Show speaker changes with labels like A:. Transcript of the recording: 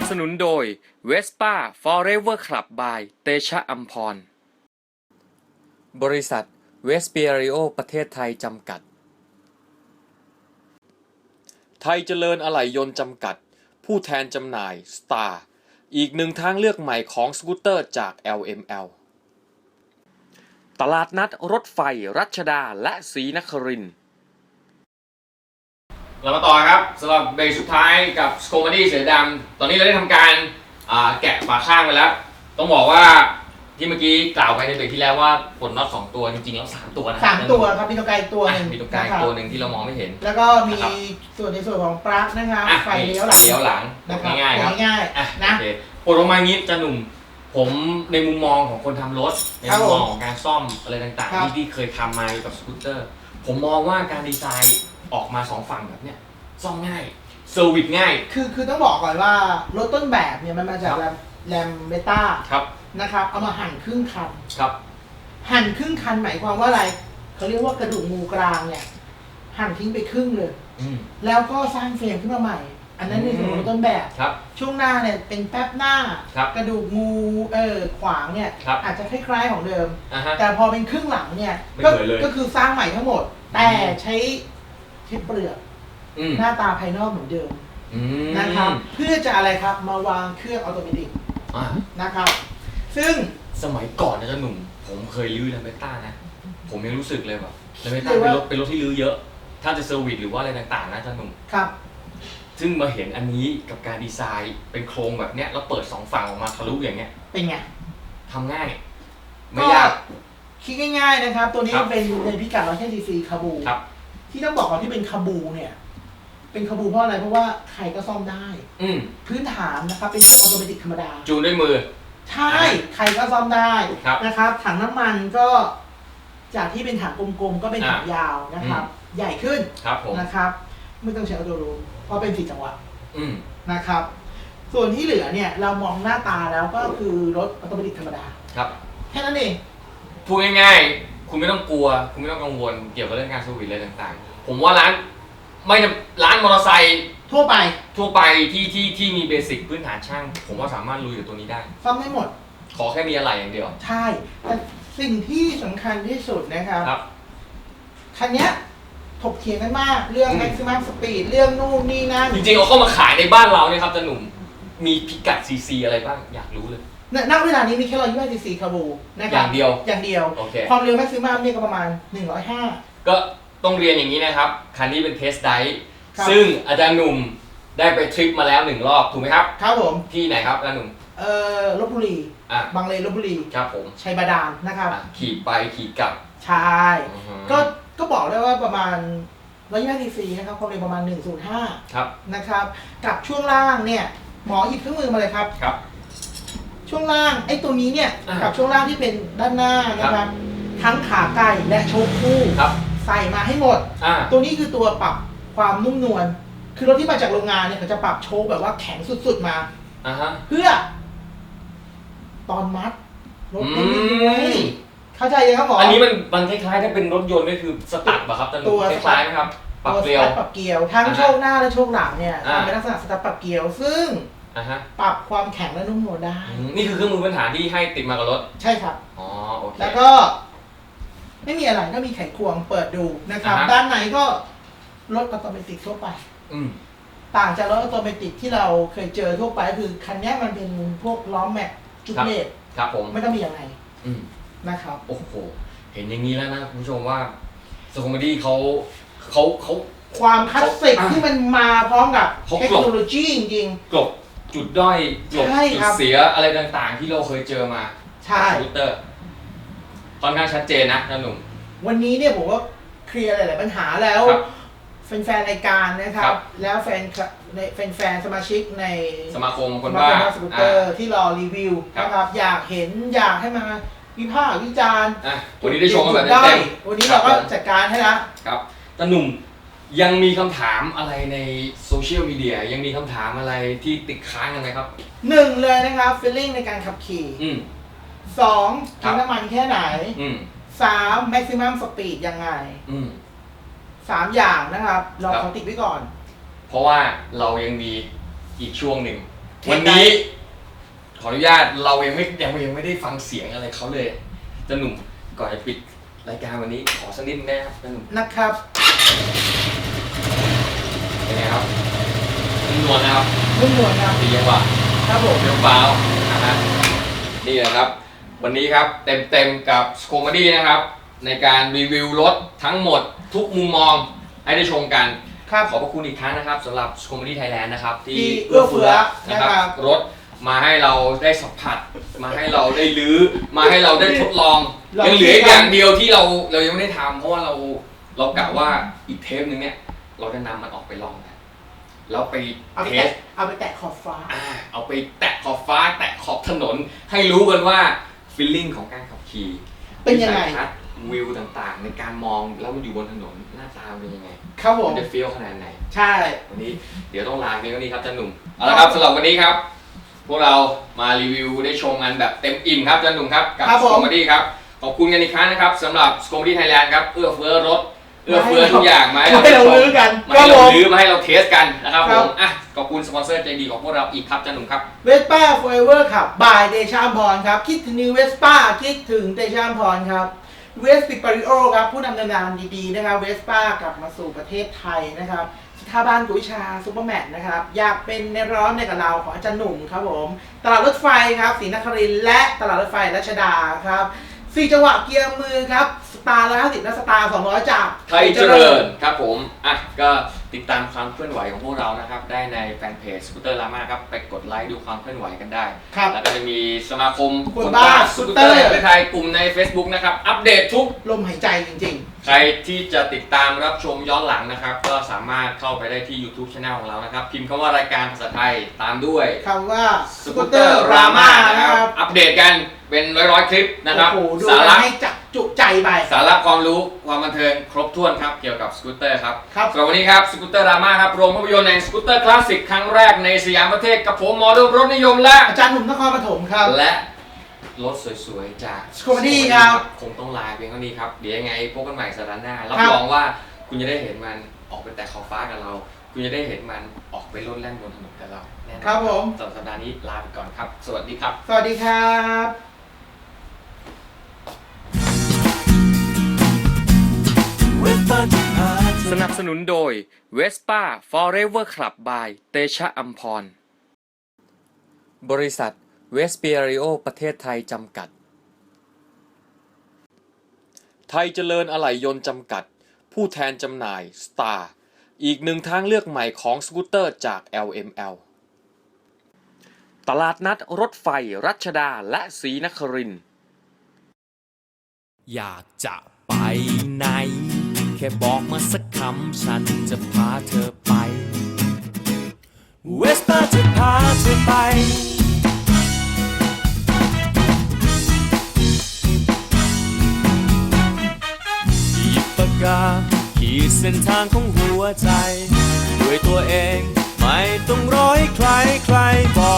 A: สนุนโดย Vespa Forever Club by เตชะอัมพรบริษัทเวสเปียริโอประเทศไทยจำกัดไทยเจริญอะไหล่ยนต์จำกัดผู้แทนจำหน่าย Star อีกหนึ่งทางเลือกใหม่ของสกูตเตอร์จาก LML ตลาดนัดรถไฟรัชดาและศรีนครินทร์เรามาต่อครับสำหรับเบรกสุดท้ายกับสโคมดี้เสือดำตอนนี้เราได้ทำการแกะฝาข้างไปแล้วต้องบอกว่าที่เมื่อกี้กล่าวไปในเบรกที่แล้วว่าปลดน็อต2ตัวจริงๆแล้ว3ตัวนะ
B: 3ตัวครับมีตัวไกลตัวหนึ่ง
A: มีตัวไกลตัวหนึ่งที่เรามองไม่เห็น
B: แล้วก็มีส่วนในส่วนของปลั๊กนะครับไฟเลี้ยวหลัง
A: นะครับง่ายๆครับ
B: ง่ายๆนะ
A: ปลดออกมางี้จะหนุ่มผมในมุมมองของคนทำรถในมุมมองของการซ่อมอะไรต่างๆที่เคยทำมากับสกูตเตอร์ผมมองว่าการดีไซน์ออกมา2ฝั่งแบบเนี้ยซ่อมง่ายเซอร์วิสง่าย
B: คือต้องบอกก่อนว่ารถต้นแบบเนี่ยมันมาจากแรมเบต้านะครับเอามาหั่นครึ่งคัน
A: ครับ
B: หั่นครึ่งคันหมายความว่าอะไรเขาเรียกว่ากระดูกงูกลางเนี่ยหั่นทิ้งไปครึ่งเลยแล้วก็สร้างเฟรมขึ้นมาใหม่อันนั้นในส่วนของต้นแบบช่วงหน้าเนี่ยเป็นแป๊บหน้ากระดูกงูขวางเนี่ยอาจจะคล้ายๆของเดิมแต่พอเป็นครึ่งหลังเนี่ยก็คือสร้างใหม่ทั้งหมดแต่ใช้เปลือกหน้าตาภายนอกเหมือนเดิมนะครับเพื่อจะอะไรครับมาวางเครื่องออโตเมติกนะครับซึ่ง
A: สมัยก่อนนะเจ้าหนุ่มผมเคยลื้อแลมเบต้านะผมยังรู้สึกเลยแบบแลมเบต้าเป็นรถที่ลื้อเยอะถ้าจะเซอร์วิสหรือว่าอะไรต่างๆนะเจ้าหนุ่ม
B: ครับ
A: ซึ่งมาเห็นอันนี้กับการดีไซน์เป็นโครงแบบเนี้ยแล้วเปิด2ฝั่งออกมาทะลุอย่างเงี้ย
B: เป็นไง
A: ทำง่ายไม่ยาก
B: คิดง่ายๆนะครับตัวนี้เป็นในพิกัด100 cc คาบูที่ต้องบอกก่อนที่เป็นคาบูเนี่ยเป็นคาบูเพราะอะไรเพราะว่าใครก็ซ่อมได้พื้นฐานนะครับเป็นเครื่องออโตเมติกธรรมดา
A: จูนด้วยมือ
B: ใช่ใครก็ซ่อมได้นะครับถังน้ำมันก็จากที่เป็นถังกลมๆก็เป็นถังยาวนะครับใหญ่ขึ้นนะครับไม่ต้องใช้ออโตรูมเพราะเป็น4 จังหวะนะครับส่วนที่เหลือเนี่ยเรามองหน้าตาแล้วก็คือรถออโตเมติกธรรมดา
A: ครับ
B: แค่นั้นเอง
A: พูดง่ายๆคุณไม่ต้องกลัวคุณไม่ต้องกังวลเกี่ยวกับเรื่องการเซอร์วิสอะไรต่างๆผมว่าร้านมอเตอร์ไซค์
B: ทั่วไป
A: ที่มีเบสิกพื้นฐานช่างผมว่าสามารถลุยกับตัวนี้ได้
B: ซ่อมได้หมด
A: ขอแค่มีอะไรอย่างเดียว
B: ใช่แต่สิ่งที่สำคัญที่สุดนะครับคันนี้ถกเถียงกันมากเรื่อง maximum speed เรื่องนู่นนี่นั่น
A: จริงๆเอาเข้ามาขายในบ้านเราเนี่ยครับจะหนุ่มมีพิกัด cc อะไรบ้างอยากรู้เลย
B: ณเวลานี้มีแค่125 cc คาบูนะครับ
A: อย่างเดียว
B: ความเร็ว maximum เนี่ยก็ประมาณ105
A: ก็ต้องเรียนอย่างนี้นะครับคันนี้เป็นเทสไดร์ซึ่งอาจารย์หนุ่มได้ไปทริปมาแล้ว1 รอบถูกไหมครับ
B: ครับผม
A: ที่ไหนครับอาจารย์หนุ่ม
B: ลพบุรีบางเลนลพบุรี
A: ครับผม
B: ชัยบาดาลนะครับ
A: ขี่ไปขี่กลับ
B: ใช่ก็บอกได้ว่าประมาณ125 cc นะครับความเร็วประมาณ105
A: ครับ
B: นะครับกับช่วงล่างเนี่ยหมอหยิบเครื่องมือมาเลยครับช่วงล่างไอ้ตัวนี้เนี่ยกับช่วงล่างที่เป็นด้านหน้านะครับทั้งขาไก่และโชคคู่ใส่มาให้หมดตัวนี้คือตัวปรับความนุ่มนวลคือรถที่มาจากโรงงานเนี่ยเขาจะปรับโชคแบบว่าแข็งสุดๆมาเพื่อตอนมัดรถไม่ด้วยเข้าใจยังครับหมอ
A: อันนี้มันคล้ายๆถ้าเป็นรถยนต์ก็คือสตาร์ทป่ะครับ
B: ตัว
A: คล้ายๆไหมครับปรับเกลี
B: ยวทั้งโชคหน้าและโชคหลังเนี่ยเป็นลักษณะสตาร์ทปรับเกลียวซึ่งปรับความแข็งและนุ่มนวลได้
A: นี่คือเครื่องมือพื้นฐานที่ให้ติดมากับรถ
B: ใช่ครับ
A: อ๋อโอเค
B: แล้วก็ไม่มีอะไรก็มีไขควงเปิดดูนะครับด้านในก็รถออโตเมติกทั่วไปต่างจากรถออโตเมติกที่เราเคยเจอทั่วไปคือคันนี้มันเป็นพวกล้อแม็กจุกเลส
A: ครับผม
B: ไม่ต้องมีอะไรนะครับ
A: โอ้โหเห็นอย่างนี้แล้วนะคุณผู้ชมว่าสโคมดี้เขา
B: ความคลาสสิกที่มันมาพร้อมกับเทคโนโลยีจริง
A: ๆกลบจุดด้อยกลบจุดเสียอะไรต่างๆที่เราเคยเจอมา
B: ใช่
A: สกูตเตอร์ค่อนข้างชัดเจนนะหนุ่ม
B: วันนี้เนี่ยผมว่าเคลียร์หลายๆปัญหาแล้วแฟนๆรายการนะครับแล้วแฟนสมาชิกใน
A: สมาคมคนบ้า
B: สกูตเตอร์ที่รอรีวิวนะครับอยากให้มาวิพากษ์วิจารณ์
A: วันนี้ได้ชมกันแบบเต็ม
B: วันนี้เราก็จัดการให้แล้ว
A: ครับแต่หนุ่มยังมีคำถามอะไรในโซเชียลมีเดียยังมีคำถามอะไรที่ติดค้างกันไหมครับ
B: 1เลยนะครับฟีลลิ่งในการขับขี่2กินน้ำมันแค่ไหน3 maximum speed ยังไง3 อย่างนะครับเราขอติดไว้ก่อน
A: เพราะว่าเรายังมีอีกช่วงหนึ่งวันนี้ขออนุญาตเรายังไม่ได้ฟังเสียงอะไรเขาเลยจะหนุ่มก่อนจะปิดรายการวันนี้ขอสักนิดได้ครับจะหนุ่ม
B: นะครับ
A: เป็นไงครับนุ่มนวลนะครับ
B: นุ่มนวลครับ
A: ดีจังหวะ
B: ครับผม
A: เรียวฟ้าวนะฮะนี่แหละครับวันนี้ครับเต็มกับสโคมดี้นะครับในการรีวิวรถทั้งหมดทุกมุมมองให้ได้ชมกัน
B: ครับ
A: ขอบพระคุณอีกครั้งนะครับสำหรับสโคมดี้ไทยแลนด์นะครับที่
B: ที่เอื้อเฟื้อ
A: นะครับ
B: นะครับ
A: รถมาให้เราได้สัมผัส มาให้เราได้ลื้อมาให้เราได้ทดลองยังเหลืออีกอย่างเดียวที่เรายังไม่ได้ทำเพราะว่าเรากะว่าอีกเทปนึงเนี่ยเราจะนำมันออกไปลองกันแล้วไป
B: เอาไป
A: เท
B: แตะ
A: ส
B: เอาไปแตะขอบฟ้า
A: เอาไปแตะขอบฟ้าแตะขอบถนนให้รู้กันว่าฟีลลิ่งของการขับขี่
B: เป็นยังไง
A: วิสัทัศน์วิวต่างๆ ในการมองแล้วมันอยู่บนถนนหน้าตาเป็นยังไง
B: ครับผม
A: มันจะฟีลขนาดไหน
B: ใช่
A: วันนี้เดี๋ยวต้องลาเพียงเท่านี้ครับจันหนุ่มเอาละครับสำหรับวันนี้ครับ พวกเรามารีวิวได้ชมกันแบบเต็มอิ่มครับจันหนุ่มครับกับ
B: ครับ
A: ส
B: ผม
A: โคมดี้ครับขอบคุณกันอีกครั้งนะครับสำหรับสโคมดี้ไทยแลนด์ครับเอื้อเฟื้อรถเอื้อเฟื้อทุกอย่างมาให้เรา
B: ให้เรา
A: ชม
B: ลื้อกัน
A: มาให้เราลื้อมาให้เราเทสกันนะครับ
B: ค
A: ผ
B: รับ
A: มอ่ะขอบคุณสปอนเซอร์ใจดีของพวกเราอีกครับจันหนุ่มครับ
B: เวสป้าโฟเวอร์ขับบายเดชาอัมพรครับคิดถึงนิวเวสป้าคิดถึงเดชาอัมพรครับเวสปิปาริโอครับผู้นำนานดีๆนะครับเวสป้ากลับมาสู่ประเทศไทยนะครับสถาบันกุวิชาซูเปอร์แมทนะครับอยากเป็นในร้อนในกับเราของอาจารย์หนุ่มครับผมตลาดรถไฟครับศรีนครินทร์และตลาดรถไฟรัชดาครับ4จังหวะเกียร์มือครับสตาร์150และสตาร์200จาก
A: ไทยเจริญครับผมอ่ะก็ติดตามความเคลื่อนไหวของพวกเรานะครับได้ในแฟนเพจสกูตเตอร์ลาม่าครับไปกดไลค์ดูความเคลื่อนไหวกันได้
B: ครับ
A: แล้วก็จะมีสมาคม
B: คนบ้า
A: สกูตเตอร์
B: สกูตเตอร์
A: แห่งประเทศไทยกลุ่มใน Facebook นะครับอัปเดตทุก
B: ลมหายใจจริง
A: ใครที่จะติดตามรับชมย้อนหลังนะครับ ก็สามารถเข้าไปได้ที่ YouTube Channel ของเรานะครับ พิมพ์คำว่ารายการภาษาไทยตามด้วย
B: ๆคำว่าสกูตเตอ
A: Scooter
B: ร์รามา
A: Rama
B: นะครับ
A: อัปเดตกันเป็นร้อยๆคลิปนะครับ
B: โอ้โหดู
A: สา
B: กั
A: ระ
B: นให้จับจุใจไป
A: สาระความรู้ความบันเทิงครบถ้วนครับเกี่ยวกับสกูตเตอร์ครับ
B: ครับ
A: สำหรับวันนี้ครับสกูตเตอร์รามาครับโรงภาพยนตร์แห่งสกูตเตอร์คลาสสิกครั้งแรกในสยามประเทศกับผมหมอดูรถนิยมและ
B: อาจารย์หนุ่มนครปฐมครับ
A: และรถสวยๆจาก
B: Scomedy ครับ
A: คงต้องลาเพียงเท่านี้ครับเดี๋ยวยังไงพบกันใหม่สัปดาห์หน้ารับ
B: ครับ
A: รองว่าคุณจะได้เห็นมันออกไปแตะขอบฟ้ากับเรา คุณจะได้เห็นมันออกไปโลดแล่นบนถนนกับเราแน่นอน
B: ครับผม
A: สำหรับสัปดาห์นี้ลาไปก่อนครับ สวัสดีครับ
B: สวัสดีครับ
A: สนับสนุนโดย Vespa Forever Club by เตชะอัมพร บริษัทเวสเปียริโอประเทศไทยจำกัด ไทยเจริญอะไหล่ยนต์จำกัด ผู้แทนจำหน่าย Star อีกหนึ่งทางเลือกใหม่ของสกูตเตอร์จาก LML ตลาดนัดรถไฟรัชดาและศรีนครินทร์
C: อยากจะไปไหน แค่บอกมาสักคำฉันจะพาเธอไป เวสป้าจะพาเธอไป หยิบปากกาขีดเส้นทางของหัวใจ ด้วยตัวเองไม่ต้องรอให้ใครบอก